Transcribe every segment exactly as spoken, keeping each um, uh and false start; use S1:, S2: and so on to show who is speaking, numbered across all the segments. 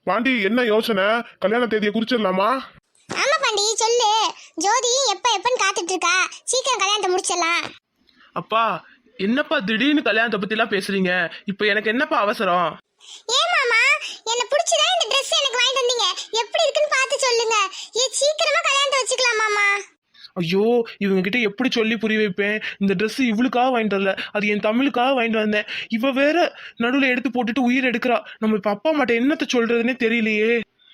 S1: பாண்டி என்ன யோசனை? கல்யாண தேதியை குறிச்சிடலாமா?
S2: ஆமா பாண்டி சொல்லு. ஜோதி எப்ப எப்பன்னு காத்துட்டு இருக்கா, சீக்கிரம் கல்யாணத்தை முடிச்சிடலாம்.
S3: அப்பா என்னப்பா திடீர்னு கல்யாணத்தை பத்தி எல்லாம் பேசுறீங்க? இப்ப எனக்கு என்னப்பா அவசரம்?
S2: ஏன் மாமா, என்ன பிடிச்சதா இந்த Dress எனக்கு வாங்கிட்டு வந்தீங்க, எப்படி இருக்குன்னு பார்த்து சொல்லுங்க. ஏ சீக்கிரமா கல்யாணத்தை வச்சுக்கலாம் மாமா.
S3: ஐயோ இவங்க கிட்ட எப்படி சொல்லி புரிய வைப்பேன்? இந்த Dress இவளுக்காக வாங்கிட்டு வரல, அது என் தமிழுக்காக வாங்கிட்டு வந்தேன். இவ வேற நடுவில் எடுத்து போட்டுட்டு உயிர் எடுக்கிறா. நம்ம இப்ப அப்பா அம்மாட்ட என்னத்த சொல்றதுன்னே தெரியலையே.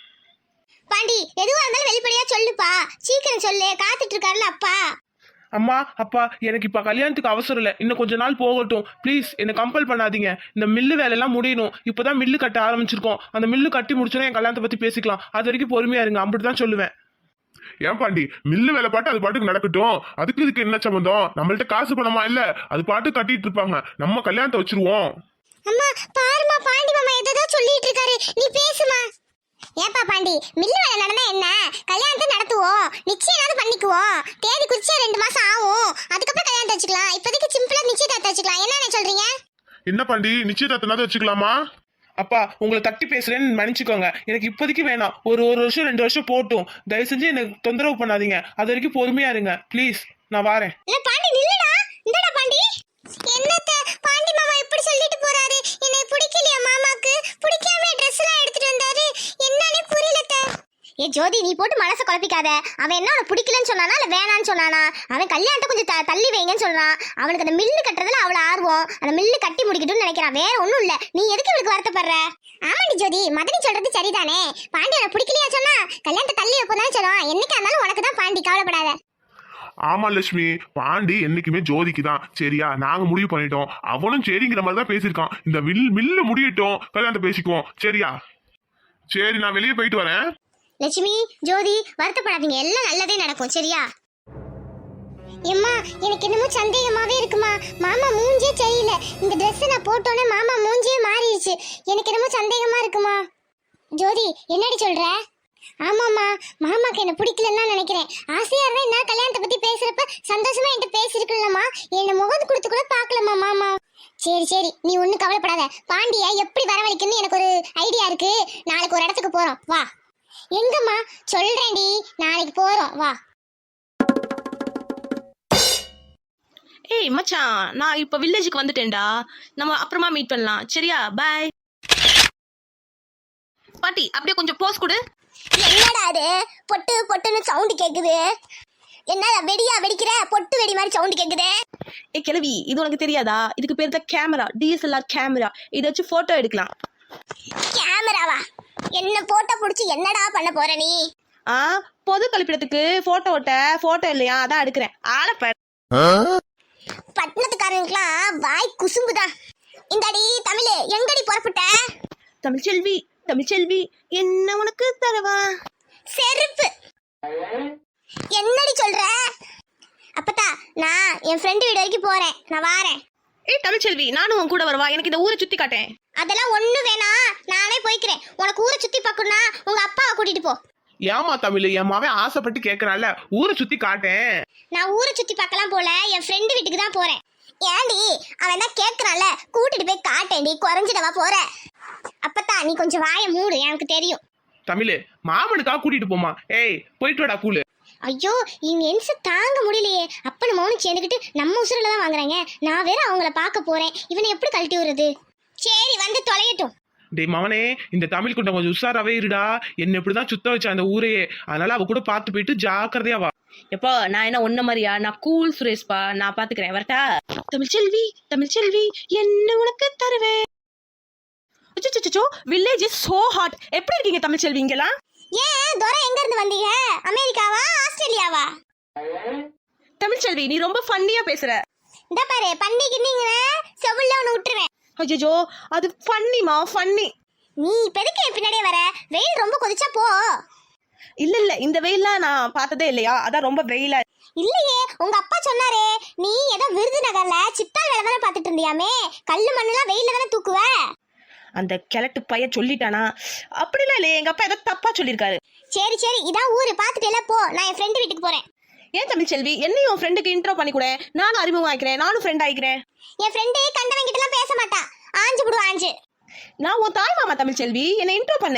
S2: பாண்டி எதுவா இருந்தாலும் வெளிப்படையா சொல்லுப்பா, சீக்கிரம் சொல்லு, காத்துட்டு இருக்காருல்ல அப்பா.
S3: அம்மா அப்பா எனக்கு இப்ப கல்யாணத்துக்கு அவசரம் இல்லை, இன்னும் கொஞ்ச நாள் போகட்டும் ப்ளீஸ். என்னை கம்பல் பண்ணாதீங்க. இந்த மில்லு வேலையெல்லாம் முடியணும். இப்பதான் மில்லு கட்ட ஆரம்பிச்சிருக்கோம். அந்த மில்லு கட்டி முடிச்சோன்னா என் கல்யாணத்தை பத்தி பேசிக்கலாம். அது வரைக்கும் பொறுமையா இருங்க, அப்படிதான் சொல்லுவேன்.
S1: ஏன் பாண்டி, மில்லு வேலை பாட்டு அது பாட்டுக்கு நடக்கட்டும். அதுக்கு இதுக்கு என்ன சம்பந்தம்? நம்மள்ட்ட காசு பணமா இல்ல, அது பாட்டு கட்டிட்டு இருப்பாங்க. நம்ம கல்யாணத்தை வச்சிருவோம்.
S2: அம்மா பாருமா, பாண்டி மாமா எதோ சொல்லிட்டு இருக்காரு, நீ பேசுமா. ஏப்பா பாண்டி, மில்லு வேலை நடந்தா என்ன, கல்யாணத்தை நடத்துவோம், நிச்சயம் பண்ணிக்குவோம். தேதி குறிச்சா ரெண்டு மாசம் ஆகும், அதுக்கப்புறம் கல்யாணத்தை வச்சுக்கலாம். இப்போதைக்கு சிம்பிளா நிச்சயதார்த்தம் வச்சுக்கலாம். என்ன சொல்றீங்க?
S1: என்ன பாண்டி, நிச்சயதார்த்தம் வச்சுக்கலாமா?
S3: அப்பா உங்களை தட்டி பேசுறேன்னு மன்னிச்சுக்கோங்க. எனக்கு இப்போதைக்கு வேணாம். ஒரு ஒரு வருஷம் ரெண்டு வருஷம் போட்டும். தயவு செஞ்சு எனக்கு தொந்தரவு பண்ணாதீங்க. அது வரைக்கும் பொறுமையா இருங்க ப்ளீஸ். நான் வாரேன்.
S2: இல்ல பாண்டி நில்லுடா. இந்தடா பாண்டி. என்னத்த பாண்டி மாமா இப்படி சொல்லிட்டு போறாரு? என்னை பிடிக்கலையா மாமாக்கு? பிடிக்காம Dress எல்லாம் எடுத்துட்டு வந்தாரு. என்னன்னே புரியலத்த. ஏ ஜோதி, நீ போட்டு மனசை குழப்பிக்காத. அவன் என்ன உனக்கு பிடிக்கலன்னு சொன்னானா இல்ல வேணான்னு சொன்னானா? அவன் கல்யாணத்தை கொஞ்சம் தள்ளி வைங்கன்னு சொல்றான். அவனுக்கு அந்த மில்லு கட்டுறதுல அவ்வளவு ஆர்வம். அந்த மில்லு கட்டி முடிக்கட்டும்னு நினைக்கிறான், வேற ஒண்ணும் இல்ல. நீ எதுக்கு இவளுக்கு வருத்தப்படுற? ஆமாண்டி ஜோதி, மதனி சொல்றது சரிதானே. பாண்டி உனக்கு பிடிக்கலையா சொன்னா கல்யாணத்தை தள்ளி வைப்போம் சொல்லுவான். என்னைக்கா இருந்தாலும் உனக்கு தான் பாண்டி, கவலைப்படாத.
S1: ஆமா லட்சுமி, பாண்டி என்னைக்குமே ஜோதிக்கு தான். சரியா, நாங்க முடிவு பண்ணிட்டோம். அவனும் சரிங்கிற மாதிரி தான் பேசியிருக்கான். இந்த மில் மில்லு முடியட்டும், கல்யாணத்தை பேசிக்குவோம். சரியா? சரி, நான் வெளியே போயிட்டு வரேன்.
S2: லட்சுமி, ஜோதி வருத்தப்படாதீங்க, எல்லாம் நல்லதே நடக்கும். சரியா? எம்மா எனக்கு என்னமோ சந்தேகமாவே இருக்குமா. மாமா மூஞ்சே சரியில்லை. இந்த Dress நான் போட்டோன்னே மாமா மூஞ்சே மாறிடுச்சு. எனக்கு என்னமோ சந்தேகமா இருக்குமா. ஜோதி என்னடி சொல்ற? ஆமாம்மா, மாமாக்கு என்ன பிடிக்கலன்னு நினைக்கிறேன். ஆசையா இருந்தா என்ன கல்யாணத்தை பத்தி பேசுறப்ப சந்தோஷமா என்கிட்ட பேசிருக்கலாமா, என்ன முகத்து கொடுத்து கூட பாக்கலாமா மாமா. சரி சரி, நீ ஒன்னும் கவலைப்படாத. பாண்டிய எப்படி வரவழைக்குன்னு எனக்கு ஒரு ஐடியா இருக்கு. நாளைக்கு ஒரு இடத்துக்கு போறோம், வா. எங்கம்மா? சொல்றேன்டி, நாளைக்கு போறோம், வா.
S4: ஏய் மச்சான், நான் இப்ப வில்லேஜுக்கு வந்துட்டேன்டா. நம்ம அப்புறமா மீட் பண்ணலாம். சரியா? பை. பாட்டி அப்படியே கொஞ்சம் போஸ் கொடு.
S2: என்னடா அது பொட்டு பொட்டுன்னு சவுண்ட் கேக்குது? என்னடா வெடியா வெடிக்கிற? பொட்டு வெடி மாதிரி சவுண்ட் கேக்குது.
S4: ஏ கிழவி, இது உனக்கு தெரியாதா? இதுக்கு பேர் தான் கேமரா, டிஎஸ்எல்ஆர் கேமரா. இதை வச்சு போட்டோ எடுக்கலாம்.
S2: கேமராவா? என்ன போட்டோ புடிச்சு என்னடா பண்ண போற நீ?
S4: ஆ, பொது கழிப்பிடத்துக்கு போட்டோ ஓட்ட போட்டோ இல்லையா, அதான் எடுக்கிறேன். ஆளப்ப
S2: பட்டணத்துக்காரங்களுக்குலாம் வாய் குசும்புதான். இந்தாடி தமிழ், எங்கடி புறப்பட்ட?
S4: தமிழ்ச்செல்வி, தமிழ்ச்செல்வி என்ன உனக்கு தரவா?
S2: செருப்பு. என்னடி சொல்ற? அப்பத்தா, நான் என் ஃப்ரெண்டு வீடு வரைக்கும் போறேன், நான் வாரேன்.
S4: ஏய் தமிழ்ச்செல்வி, நானும் உன் கூட வரவா? எனக்கு இந்த ஊரை சுத்தி காட்டேன்.
S2: அதெல்லாம் ஒண்ணு வேணாம், நானே போய்க்கிறேன். உனக்கு ஊரை சுத்தி பார்க்கணும்னா உங்க அப்பாவை கூட்டிட்டு போ.
S3: ஏமா தமிழ், என் மாவன் ஆசைப்பட்டு கேட்கறான்ல, ஊரை சுத்தி காட்டேன்.
S2: நான் ஊரை சுத்தி பார்க்கலாம் போல, என் ஃப்ரெண்டு வீட்டுக்கு தான் போறேன். ஏண்டி, அவன் தான் கேட்கறான்ல, கூட்டிட்டு போய் காட்டேன்டி, குறைஞ்சிடவா போற? அப்பத்தா நீ கொஞ்சம் வாயை மூடு, எனக்கு தெரியும்.
S3: தமிழ், மாமனுக்காக கூட்டிட்டு போமா. ஏய் போயிட்டு வாடா கூலு.
S2: ஐயோ, இவங்க என்ச தாங்க முடியலையே. அப்பனு மௌனும் சேர்ந்துக்கிட்டு நம்ம உசுரில் தான் வாங்குறாங்க. நான் வேற அவங்கள பார்க்க போறேன், இவனை எப்படி கழட்டி விடுறது? சரி வந்து தொலையட்டும்.
S3: டே மவனே, இந்த தமிழ் குண்டம் கொஞ்சம் உஷாராவே இருடா. என்ன இப்படிதான் சுத்த வச்சா அந்த ஊரையே. அதனால அவ கூட பார்த்து போயிட்டு ஜாக்கிரதையா வா.
S4: எப்போ நான் என்ன ஒன்ன மாதிரியா? நான் கூல் சுரேஷ்பா, நான் பாத்துக்கிறேன். வரட்டா? தமிழ்ச்செல்வி, தமிழ்ச்செல்வி என்ன உனக்கு தருவேன்? அச்சச்சோ, வில்லேஜ் இஸ் சோ ஹாட். எப்படி இருக்கீங்க தமிழ்ச்செல்வி இங்கெல்லாம்?
S2: ஏன் துரை, எங்க இருந்து வந்தீங்க? அமெரிக்காவா ஆஸ்திரேலியாவா?
S4: தமிழ்ச்செல்வி நீ ரொம்ப ஃபன்னியா பேசுற.
S2: இந்த பாரு, பண்டிகை நீங்க செவுல்ல ஒன்று விட்டுருவேன்.
S4: அஜோ, அது ஃபன்னிமா, ஃபன்னி.
S2: நீ இப்போதைக்கு பின்னாடியே வர, வெயில் ரொம்ப கொதிச்சா போ.
S4: இல்ல இல்ல, இந்த வெயிலாம் நான் பார்த்ததே இல்லையா, அதான் ரொம்ப வெயிலா.
S2: இல்லையே, உங்க அப்பா சொன்னாரே, நீ ஏதோ விருதுநகர்ல சித்தால் வேலை தானே பார்த்துட்டு இருந்தியாமே, கல்லு மண்ணுலாம் வெயில தானே தூக்குவ.
S4: அந்த கிழட்டு பைய சொல்லிட்டானா? அப்படிலாம் இல்லையே, எங்க அப்பா ஏதோ தப்பா சொல்லியிருக்காரு.
S2: சரி சரி, இதான் ஊரு, பார்த்துட்டு எல்லாம் போ. நான் என் ஃப்ரெண்டு வீட்டுக்கு போறேன்.
S4: ஏன் தமிழ்ச்செல்வி, என்னையும் உன் ஃப்ரெண்டுக்கு இன்ட்ரோ பண்ணி கூட, நானும் அறிமுகம் ஆயிக்கிறேன், நானும் ஃப்ரெண்ட் ஆயிக்கிறேன்.
S2: என் ஃப்ரெண்டு கண்டவங்க கிட்ட எல்லாம் பேச மாட்டா, ஆஞ்சு விடுவா ஆஞ்சு.
S4: நான் உன் தாய் மாமா தமிழ்ச்செல்வி, என்னை இன்ட்ரோ பண்ணு.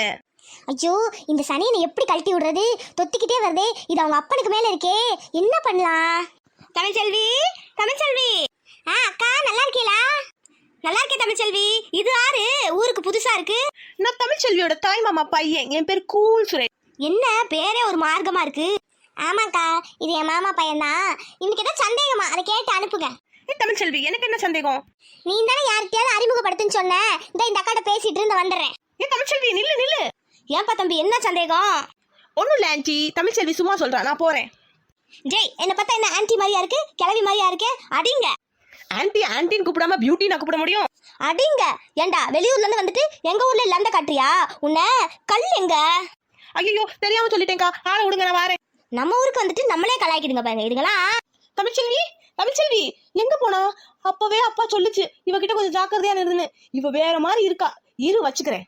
S2: ஐயோ இந்த சனியனை எப்படி கழட்டி விடுறது? தொத்திக்கிட்டே வருதே, இது அவங்க அப்பனுக்கு மேல இருக்கே, என்ன பண்ணலாம்?
S4: தமிழ்ச்செல்வி, தமிழ்ச்செல்வி.
S2: ஆ அக்கா, நல்லா இருக்கீங்களா?
S4: நல்லா இருக்கேன் தமிழ்ச்செல்வி. இது யாரு? ஊருக்கு புதுசா இருக்கு. நான் தமிழ்ச்செல்வியோட தாய் மாமா பையன். என் பேர் கூல் சுரேஷ்.
S2: என்ன பேரே ஒரு மார்க்கமா இருக்கு? ஆமாக்கா, இது என் மாமா பையன்தான். இன்னைக்கு ஏதோ சந்தேகமா, அதை கேட்டு அனுப்புங்க.
S4: ஏ தமிழ்ச்செல்வி, எனக்கு என்ன சந்தேகம்?
S2: நீ தானே யார்கிட்டயாவது அறிமுகப்படுத்துன்னு சொன்ன. இந்த இந்த அக்காட்ட பேசிட்டு இருந்து வந்துடுறேன்.
S4: ஏ தமிழ்ச்செல்வி, நில்லு நில்லு. ஏன்பா தம்பி, என்ன சந்தேகம்? ஒன்றும் இல்லை ஆன்ட்டி, தமிழ்ச்செல்வி சும்மா சொல்கிறேன், நான் போகிறேன்.
S2: ஜெய், என்னை பார்த்தா என்ன ஆன்ட்டி மாதிரியா இருக்கு? கிளவி மாதிரியா இருக்கு? அடிங்க.
S4: ஆன்ட்டி ஆன்ட்டின்னு கூப்பிடாம பியூட்டி நான் கூப்பிட முடியும்?
S2: அடிங்க. ஏண்டா வெளியூர்ல இருந்து வந்துட்டு எங்க ஊர்ல லண்ட காட்டுறியா? உன்னை கல் எங்க?
S4: ஐயோ தெரியாம சொல்லிட்டேன்க்கா, ஆளை விடுங்க, நான் வரேன்.
S2: நம்ம ஊருக்கு வந்துட்டு நம்மளே கலாய்க்கிடுங்க பாருங்க இதுங்களா.
S4: தமிழ்ச்செல்வி, தமிழ்ச்செல்வி எங்க போனா? அப்பவே அப்பா சொல்லுச்சு இவகிட்ட கொஞ்சம் ஜாக்கிரதையா இருந்துன்னு. இவ வேற மாதிரி இருக்கா, இரு வச்சுக்கிறேன்.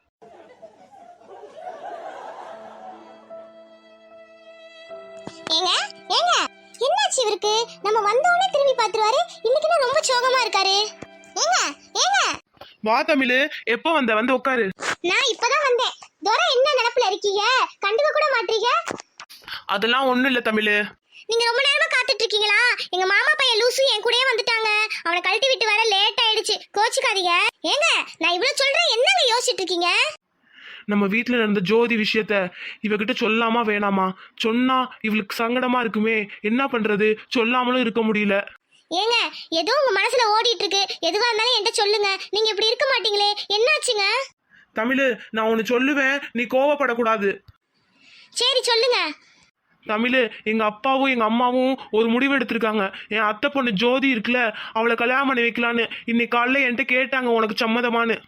S2: ஏங்க ஏங்க, என்னாச்சு இவருக்கு? நம்ம வந்தோடனே திரும்பி பாத்துருவாரு, இன்னைக்கு நான் ரொம்ப சோகமா இருக்காரு. ஏங்க ஏங்க.
S3: வா தமிழ், எப்போ வந்த? வந்து உட்காரு.
S2: நான் இப்பதான் வந்தேன். தோரா என்ன நினைப்புல இருக்கீங்க? கண்டுக்க கூட மாட்டீங்க.
S3: அதெல்லாம் ஒண்ணும் இல்ல தமிழ்.
S2: நீங்க ரொம்ப நேரமா காத்துட்டு இருக்கீங்களா? எங்க மாமா பையன் லூசு என் கூடயே வந்துட்டாங்க. அவனை கழட்டி விட்டு வர லேட் ஆயிடுச்சு, கோச்சுக்காதீங்க. ஏங்க நான் இவ்வளவு சொல்றேன், என்னங்க யோசிச்சுட்டு இருக்கீங்க?
S3: நம்ம வீட்டுல நடந்த ஜோதி விஷயத்த இவகிட்ட சொல்லாமா வேணாமா? சொன்னா இவளுக்கு சங்கடமா இருக்குமே, என்ன பண்றது? சொல்லாமலும் இருக்க முடியல.
S2: ஏங்க ஏதோ உங்க மனசுல ஓடிட்டு இருக்கு, எதுவா இருந்தாலும் என்கிட்ட சொல்லுங்க. நீங்க இப்படி இருக்க மாட்டீங்களே, என்னாச்சுங்க?
S3: தமிழ், நான் ஒன்னு சொல்லுவேன், நீ கோவப்படக்கூடாது.
S2: சரி சொல்லுங்க.
S3: தமிழ், எங்க அப்பாவும் எங்க அம்மாவும் ஒரு முடிவு எடுத்திருக்காங்க. என் அத்தை பொண்ணு ஜோதி இருக்குல்ல, அவளை கல்யாணம் பண்ணி வைக்கலான்னு இன்னைக்கு காலைல என்கிட்ட கேட்டாங்க, உனக்கு சம்மதமானு.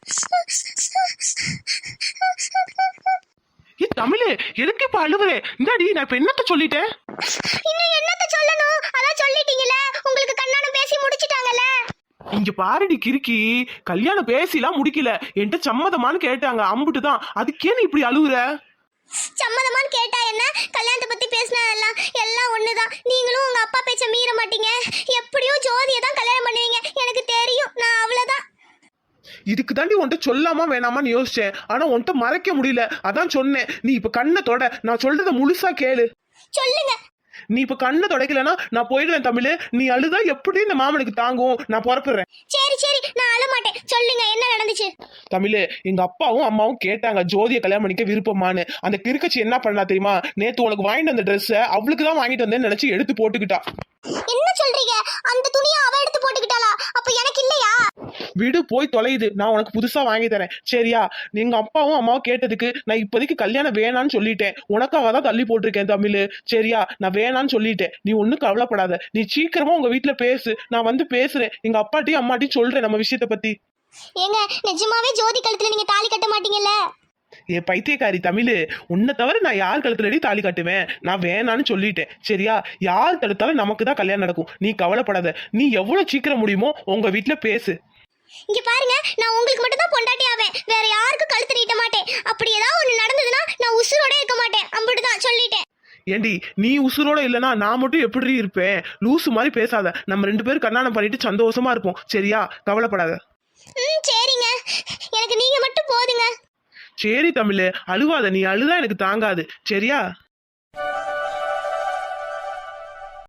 S3: ஏ தமிழ், எதுக்கு இப்ப அழுவுறே? இந்தாடி, நான் இப்ப என்னத்த சொல்லிட்டேன்?
S2: இன்னும் என்னத்த சொல்லணும்? அதான் சொல்லிட்டீங்களே, உங்களுக்கு கண்ணாடம் பேசி முடிச்சிட்டாங்கல்ல.
S3: இங்க பாருடி கிறுக்கி, கல்யாணம் பேசிலாம் முடிக்கல, என்கிட்ட சம்மதமானு கேட்டாங்க, அம்புட்டு தான். அதுக்கே நீ இப்படி அழுவுற?
S2: சம்மதமான்னு கேட்டா என்ன, கல்யாணத்தை பத்தி பேசினா எல்லாம் எல்லாம் ஒண்ணுதான். நீங்களும் உங்க அப்பா பேச்ச மீற மாட்டீங்க. எப்படியும் ஜோதியை தான் கல்யாணம் பண்ணுவீங்க, எனக்கு தெரியும். நான் அவ்வளவுதான்.
S3: இதுக்கு தாண்டி உன்கிட்ட சொல்லாமா வேணாமான்னு யோசிச்சேன், ஆனா உன்கிட்ட மறைக்க முடியல, அதான் சொன்னேன். நீ இப்ப கண்ணை தொட, நான் சொல்றத முழுசா கேளு.
S2: சொல்லுங்க.
S3: நீ இப்ப கண்ணை தொடக்கலன்னா நான் போயிடுவேன் தமிழ். நீ அழுதா எப்படி இந்த மாமனுக்கு தாங்கும்? நான் புறப்படுறேன்.
S2: சரி சரி, நான் அழ மாட்டேன். சொல்லுங்க, என்ன நடந்துச்சு?
S3: தமிழ், எங்க அப்பாவும் அம்மாவும் கேட்டாங்க ஜோதியை கல்யாணம் பண்ணிக்க விருப்பமானு. அந்த கிறுக்கச்சி என்ன பண்ணா தெரியுமா? நேத்து உனக்கு வாங்கிட்டு வந்த ட்ரெஸ்ஸை அவளுக்கு தான் வாங்கிட்டு வந்தேன்னு நினைச்சு எடுத்து போட்டுக்கிட்டா.
S2: என்ன சொல்றீங்க? அந்த துணியை அவ எடுத்து போட்டுக்கிட்டாளா? அப்ப எனக்கு இல்லையா?
S3: வீடு போய் தொலையுது, நான் உனக்கு புதுசா வாங்கி தரேன் சரியா? நீங்க அப்பாவும் அம்மாவும் கேட்டதுக்கு நான் இப்போதைக்கு கல்யாணம் வேணான்னு சொல்லிட்டேன். உனக்காக தான் தள்ளி போட்டிருக்கேன் தமிழ் சரியா? நான் வேணான்னு சொல்லிட்டேன், நீ ஒன்னும் கவலைப்படாத. நீ சீக்கிரமா உங்க வீட்டுல பேசு, நான் வந்து பேசுறேன். எங்க அப்பாட்டையும் அம்மாட்டையும் சொல்றேன் நம்ம விஷயத்த பத்தி.
S2: ஏங்க நிஜமாவே ஜோதி கழுத்துல நீங்க தாலி கட்ட மாட்டீங்கல்ல?
S3: ஏ பைத்தியக்காரி தமிழ், உன்னை தவிர நான் யார் கழுத்துலடி தாலி கட்டுவேன்? நான் வேணான்னு சொல்லிட்டேன் சரியா? யார் தடுத்தாலும் நமக்கு தான் கல்யாணம் நடக்கும், நீ கவலைப்படாத. நீ எவ்வளவு சீக்கிரம் முடியுமோ உங்க வீட்டுல பேசு.
S2: இங்க பாருங்க, நான் உங்களுக்கு மட்டும் தான் பொண்டாட்டி ஆவேன், வேற யாருக்கும் கழுத்து நீட்ட மாட்டேன். அப்படி ஏதாவது ஒண்ணு நடந்ததுன்னா நான் உசுரோட இருக்க மாட்டேன், அப்படிதான் சொல்லிட்டேன்.
S3: ஏண்டி, நீ உசுரோட இல்லைன்னா நான் மட்டும் எப்படி இருப்பேன்? லூசு மாதிரி பேசாத. நம்ம ரெண்டு பேரும் கல்யாணம் பண்ணிட்டு சந்தோஷமா இருப்போம் சரியா? கவலைப்படாத.
S2: ம் சரிங்க, எனக்கு நீங்க மட்டும் போதுங்க.
S3: சரி தமிழ், அழுவாத. நீ அழுதா எனக்கு தாங்காது சரியா?